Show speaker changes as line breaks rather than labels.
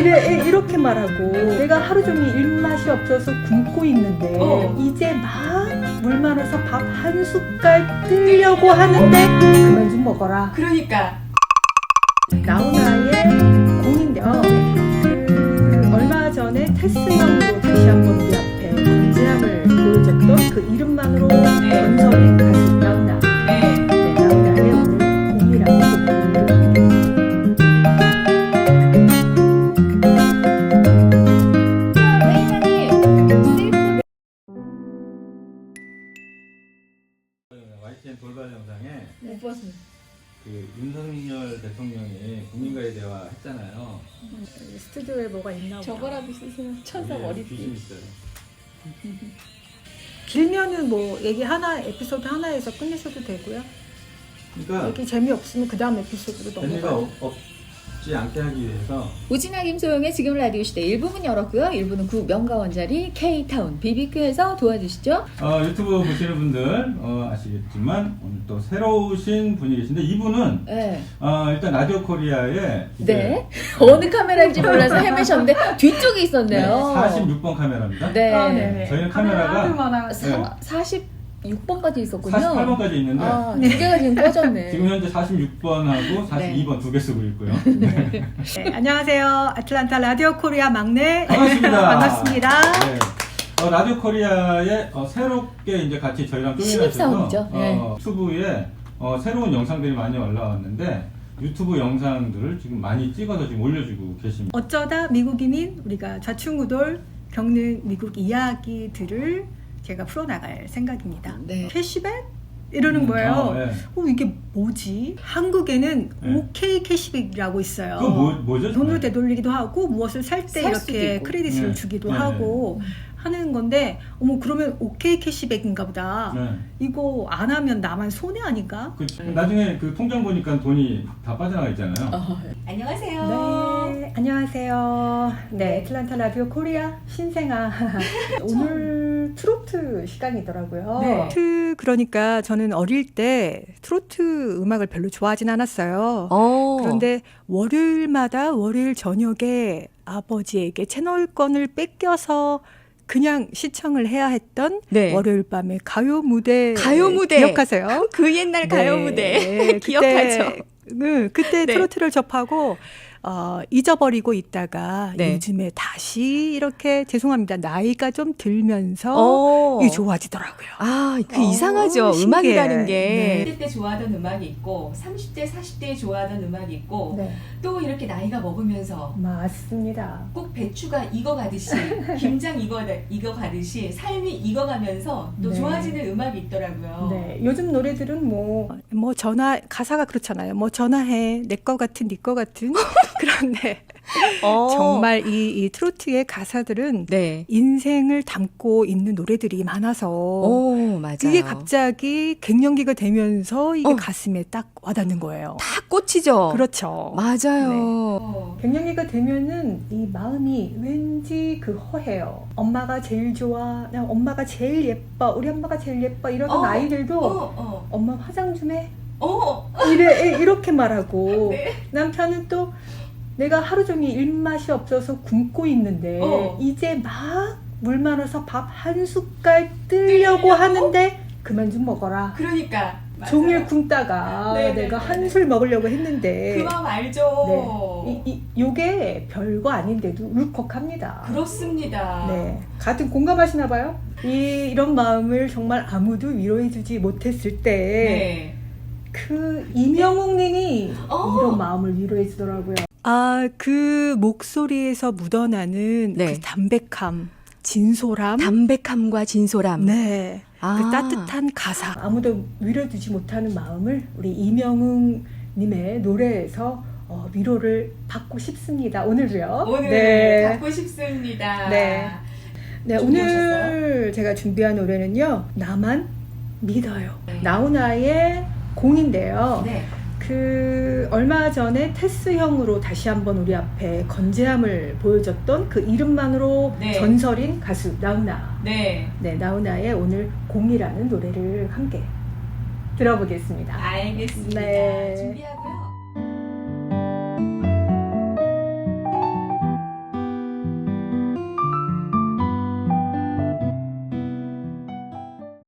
이렇게 말하고 내가 하루 종일 입맛이 없어서 굶고 있는데 이제 막 물 말아서 밥 한 숟갈 뜨려고 하는데 그만 좀 먹어라.
그러니까
나훈아의 공인데요. 얼마 전에 테스형으로 다시 한번 우리 앞에 건재함을 보여줬던 그 이름만으로 전설인 가수 나훈아. 나훈아의 오늘 공이라는
YTN 돌발 영상에
못 봤습니다.
그 윤석열 대통령이 국민과의 대화 했잖아요.
스튜디오에 뭐가 있나 보다.
저거라도 쓰세요. 천사 머리띠.
귀신 있어요.
길면은 뭐 얘기 하나 에피소드 하나에서 끝내셔도 되고요.
그러니까
얘기 재미없으면 그 다음 에피소드로
재미가
넘어가요.
없지 않게 하기 위해서
우진아 김소영의 지금 라디오 시대 1부문 열었고요. 1부는 구 명가원자리 K타운 BBQ에서 도와주시죠.
유튜브 보시는 분들 아시겠지만 오늘 또 새로우신 분이 계신데 이분은
네.
일단 라디오 코리아에
네. 어느 카메라인지 몰라서 헤매셨는데 뒤쪽에 있었네요.
46번 카메라입니다.
네.
네네.
저희는 카메라가
46번까지 있었군요.
48번까지 있는데
두 개가 지금 꺼졌네.
지금 현재 46번하고 42번 두 개 쓰고 있고요.
네, 안녕하세요. 아틀란타 라디오 코리아 막내
반갑습니다.
반갑습니다.
네. 라디오 코리아에 새롭게 이제 같이 저희랑
신입사원이죠.
쪼개셔서
네.
유튜브에 새로운 영상들이 많이 올라왔는데 유튜브 영상들을 지금 많이 찍어서 지금 올려주고 계십니다.
어쩌다 미국인인 우리가 좌충우돌 겪는 미국 이야기들을 제가 풀어나갈 생각입니다.
네.
캐시백? 이러는 거예요.
네.
이게 뭐지? 한국에는
네.
OK 캐시백이라고 있어요.
그거 뭐죠?
돈으로 되돌리기도 하고 무엇을 살 때
살 수도
이렇게
있고.
크레딧을
네.
주기도
네.
하고 하는 건데 그러면 OK 캐시백인가 보다.
네.
이거 안 하면 나만 손해 아닌가?
나중에 그 통장 보니까 돈이 다 빠져나가 있잖아요.
안녕하세요.
네, 안녕하세요. 네, 애틀란타 라디오 코리아 신생아. 오늘 트로트 시간이더라고요.
네.
그러니까 저는 어릴 때 트로트 음악을 별로 좋아하진 않았어요. 그런데 월요일마다 월요일 저녁에 아버지에게 채널권을 뺏겨서 그냥 시청을 해야 했던
네.
월요일 밤의 가요 무대.
가요 무대.
기억하세요?
그 옛날 가요
네,
무대 기억하죠.
그때
네.
트로트를 접하고 잊어버리고 있다가
네.
요즘에 다시 이렇게 죄송합니다. 나이가 좀 들면서 이게 좋아지더라고요.
그 이상하죠.
신기해.
음악이라는 게.
20대 때 좋아하던 음악이 있고 30대, 40대에 좋아하던 음악이 있고
네,
또 이렇게 나이가 먹으면서
맞습니다.
꼭 배추가 익어가듯이 김장 익어가듯이 삶이 익어가면서 또
네.
좋아지는 음악이 있더라고요.
네, 요즘 노래들은 뭐 전화 가사가 그렇잖아요. 뭐 전화해 내 거 같은 네 거 같은 그런데 정말 이 트로트의 가사들은
네.
인생을 담고 있는 노래들이 많아서
맞아요.
이게 갑자기 갱년기가 되면서 이게
어.
가슴에 딱 와닿는 거예요.
다 꽂히죠.
그렇죠.
맞아요.
갱년기가 되면은 이 마음이 왠지 그 허해요. 엄마가 제일 좋아, 나 엄마가 제일 예뻐, 우리 엄마가 제일 예뻐 이러던 아이들도 엄마 화장 좀 해. 이렇게 말하고
네.
남편은 또 내가 하루 종일 입맛이 없어서 굶고 있는데 이제 막 물 말아서 밥 한 숟갈 뜨려고 하는데 그만 좀 먹어라.
그러니까 맞아요.
종일 굶다가
네,
내가
네,
한
네.
술 먹으려고 했는데
그 마음 알죠.
요게 별거 아닌데도 울컥합니다.
그렇습니다.
네, 같은 공감하시나 봐요. 이런 마음을 정말 아무도 위로해주지 못했을 때
네.
그 이명웅 님이 이런 마음을 위로해 주더라고요. 그 목소리에서 묻어나는
네.
그 담백함, 진솔함.
담백함과 진솔함.
네.
아.
그 따뜻한 가사. 아무도 위로해주지 못하는 마음을 우리 이명웅 님의 노래에서 위로를 받고 싶습니다. 오늘도요.
오늘 받고 싶습니다.
네. 네,
준비하셨어요?
오늘 제가 준비한 노래는요. 나만 믿어요.
네.
나훈아의 공인데요.
네.
얼마 전에 테스형으로 다시 한번 우리 앞에 건재함을 보여줬던 그 이름만으로
네.
전설인 가수 나훈아.
네.
네, 나훈아의 오늘 공이라는 노래를 함께 들어보겠습니다.
알겠습니다.
네.
준비하고요.